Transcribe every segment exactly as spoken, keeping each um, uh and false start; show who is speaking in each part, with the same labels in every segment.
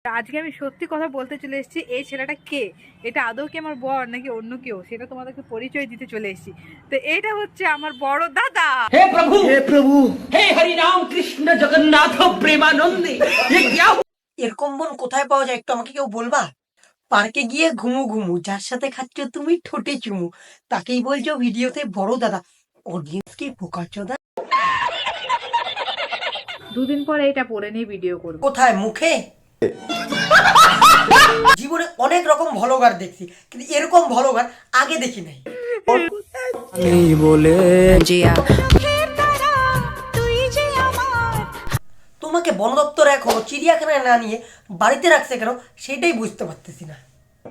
Speaker 1: আজকে আমি সত্যি কথা বলতে চলে এসেছি, এই ছেলেটা কে, এটা আদৌ কি আমার বর নাকি অন্য কেউ, সেটা তোমাদেরকে পরিচয় দিতে চলে এসেছি। তো এটা হচ্ছে আমার বড় দাদা।
Speaker 2: হে প্রভু, হে প্রভু, হে হরি রাম কৃষ্ণ জগন্নাথ প্রেমানন্দে। এরকম বোন কোথায় পাওয়া যায় একটু আমাকে কেউ বলবা? পার্কে গিয়ে ঘুমু ঘুমু, যার সাথে খাচ্ছ তুমি ঠোঁটে চুমু, তাকেই বলছো ভিডিওতে বড় দাদা। অডিয়েন্স কি বোকাচোদা।
Speaker 1: দুদিন পরে এটা পরে নিয়ে ভিডিও করবো।
Speaker 2: কোথায়? মুখে? জীবনে অনেক রকম ভ্লগার দেখছি, কিন্তু এরকম ভ্লগার আগে দেখি নাই। বলে তোমাকে বন দপ্তর এখনো চিড়িয়াখানায় না নিয়ে বাড়িতে রাখছে কেন সেটাই বুঝতে পারতেছি না।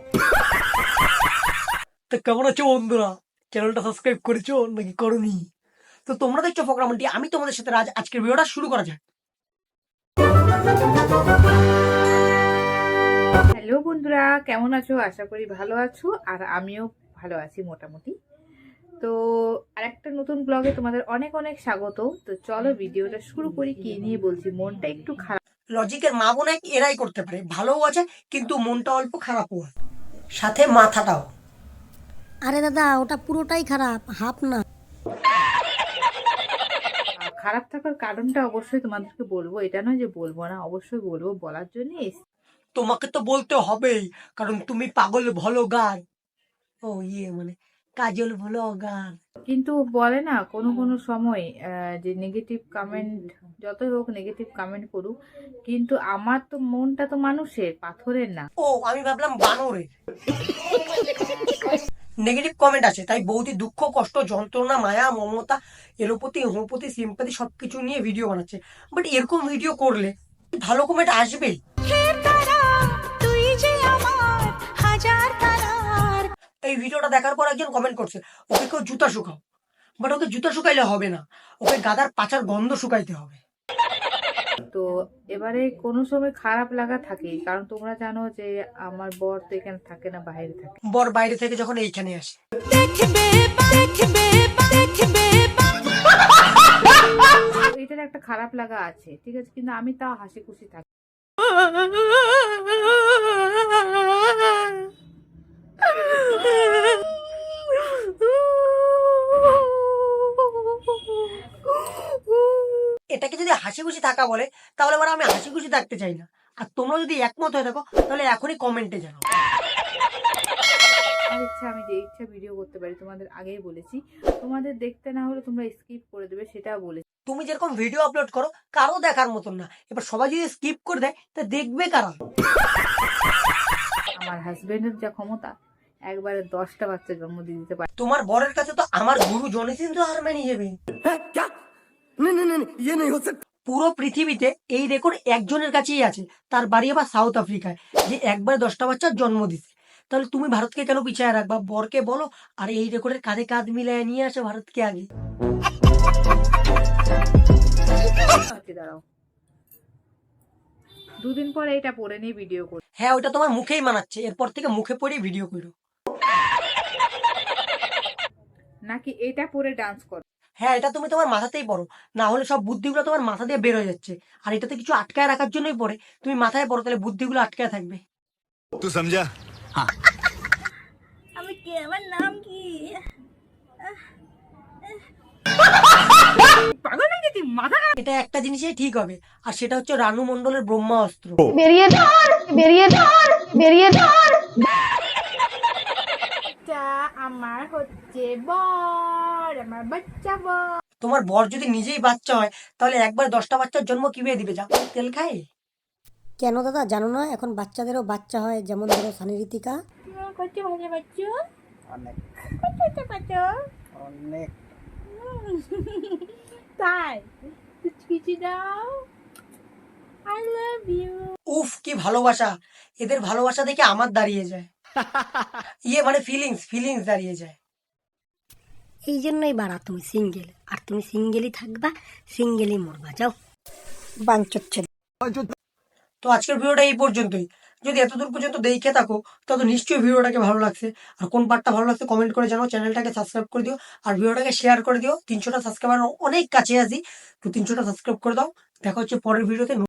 Speaker 2: তো কেমন আছো বন্ধুরা? চ্যানেলটা সাবস্ক্রাইব করেছো নাকি করনি? তো তোমরা দেখছো প্রোগ্রামটি, আমি তোমাদের সাথে আজ আজকের ভিডিওটা শুরু করা যাক।
Speaker 1: হ্যালো বন্ধুরা, কেমন আছো? আশা করি ভালো আছো, আর আমিও ভালো আছি মোটামুটি। তো আরেকটা নতুন ব্লগে তোমাদের অনেক অনেক স্বাগত। তো চলো ভিডিওটা শুরু করি। কি নিয়ে বলছি, মনটা একটু খারাপ।
Speaker 2: লজিকের মা বোন এক এরাই করতে পারে, ভালোও আছে কিন্তু মনটা অল্প খারাপও আছে, সাথে মাথাটাও।
Speaker 3: আরে দাদা, ওটা পুরোটাই খারাপ, হাফ না।
Speaker 1: খারাপ থাকার কারণটা অবশ্যই তোমাদেরকে বলবো, এটা নয় যে বলবো না, অবশ্যই বলবো, বলার জন্য।
Speaker 2: তোমাকে তো বলতে হবেই, কারণ তুমি পাগল ভ্লগার। ও ইয়ে মানে কাজল ভ্লগার।
Speaker 1: কিন্তু বলে না কোনো কোনো সময় যে নেগেটিভ কমেন্ট, যতই হোক নেগেটিভ কমেন্ট করুক, কিন্তু আমার তো মনটা তো মানুষের, পাথরের না।
Speaker 2: ও আমি ভাবলাম বানরের। নেগেটিভ কমেন্ট আছে তাই বৌদি দুঃখ কষ্ট যন্ত্রণা মায়া মমতা এলোপতি হোমপতি সিম্পাতি সবকিছু নিয়ে ভিডিও বানাচ্ছে। বাট এরকম ভিডিও করলে ভালো কমেন্ট আসবেই। এই ভিডিওটা দেখার পর একজন কমেন্ট করছে, ওকে কেউ জুতা শুকাও। বাট ওকে জুতা শুকাইলে হবে না, ওকে গাদার পাচার গন্ধ শুকাইতে হবে।
Speaker 1: তো এবারে কোনো সময় খারাপ লাগা থাকে, কারণ তোমরা জানো যে আমার বর তো এখানে থাকে না, বাইরে থাকে।
Speaker 2: বর বাইরে থেকে যখন এইখানে আসে,
Speaker 1: এটার একটা খারাপ লাগা আছে, ঠিক আছে, কিন্তু আমি তাও হাসি খুশি থাকি।
Speaker 2: এটাকে যদি হাসি খুশি থাকা বলে তাহলে এবার আমি হাসি খুশি থাকতে চাই না। আর তোমরা যদি একমত হয়ে থাকো তাহলে এখনই কমেন্টে জানাও।
Speaker 1: আমার ইচ্ছা, আমি যে ইচ্ছা ভিডিও করতে পারি, তোমাদের আগেই বলেছি। তোমাদের দেখতে না হলে তোমরা স্কিপ করে দেবে, সেটাও বলেছি।
Speaker 2: তুমি যেরকম ভিডিও আপলোড করো কারো দেখার মতন না, এবার সবাই যদি স্কিপ করে দেয় তা দেখবে কারা?
Speaker 1: আমার হাজবেন্ডের যা ক্ষমতা, একবারে দশটা বাচ্চা জন্ম দিয়ে দিতে পারে।
Speaker 2: তোমার বরের কাছে তো আমার গুরু জনিসিন তো হার মানিয়ে যাবে। পুরো পৃথিবীতে এই রেকর্ড একজনের কাছেই আছে, তার বাড়ি আবার সাউথ আফ্রিকায়, যে একবারে দশটা বাচ্চার জন্ম দিছে। তাহলে তুমি ভারতকে কেন পিছিয়ে রাখবা? বরকে বলো আর এই রেকর্ডের কাঁধে কাঁধ মিলিয়ে নিয়ে আসো ভারতকে আগে।
Speaker 1: দাঁড়াও, দুদিন পরে এটা পরে নিয়ে ভিডিও করি।
Speaker 2: হ্যাঁ ওটা তোমার মুখেই মানাচ্ছে, এরপর থেকে মুখে পরেই ভিডিও করো।
Speaker 1: নাকি এটা পরে ডান্স করো?
Speaker 2: হ্যাঁ এটা তুমি তোমার মাথাতেই পড়ো, না হলে সব বুদ্ধিগুলো তোমার মাথা দিয়ে বের হয়ে যাচ্ছে। আর এটাতে কিছু আটকায় রাখার জন্যই পড়ে, তুমি মাথায় পড়ো, তাহলে বুদ্ধিগুলো আটকায় থাকবে।
Speaker 4: তুই সমঝা?
Speaker 1: আমি কে, আমার নাম কি? পাগল নাকি তুই, মাথা?
Speaker 2: এটা একটা জিনিসই ঠিক হবে, আর সেটা হচ্ছে রানু মণ্ডলের ব্রহ্মাস্ত্র।
Speaker 3: বেরিয়ে ধর, বেরিয়ে ধর, বেরিয়ে ধর।
Speaker 1: আমার হচ্ছে বর, আমার বাচ্চা বর।
Speaker 2: তোমার বর যদি নিজেই বাচ্চা হয় তাহলে একবার দশটা বাচ্চার জন্ম কিভাবে দিবে? যা তেল খায়।
Speaker 3: কেন দাদা জানো না, এখন বাচ্চাদেরও বাচ্চা হয়, যেমন ধরো সানি ঋতিকা।
Speaker 1: কত ভালো বাচ্চা, অনেক কত কত অনেক। তাই কিছু দাও, আই লাভ ইউ।
Speaker 2: উফ কি ভালোবাসা! এদের ভালোবাসা দেখে আমার দাঁড়িয়ে যায়, ইয়ে মানে ফিলিংস ফিলিংস দাঁড়িয়ে যায়।
Speaker 3: এই জন্যই বাড়া তুমি সিঙ্গেল, আর তুমি সিঙ্গেলই থাকবা, সিঙ্গেলই মরবা। যাও বাঞ্চচ্ছে।
Speaker 2: তো আজকের ভিডিওটা এই পর্যন্তই। যদি এতদূর পর্যন্ত দেখে থাকো তত নিশ্চয়ই ভিডিওটাকে ভালো লাগছে, আর কোন পার্টটা ভালো লাগছে কমেন্ট করে জানাও। চ্যানেলটাকে সাবস্ক্রাইব করে দিও আর ভিডিওটাকে শেয়ার করে দিও। তিনশোটা সাবস্ক্রাইবার অনেক কাছে আছি, তো তিনশোটা সাবস্ক্রাইব করে দাও। দেখা হচ্ছে পরের ভিডিওতে।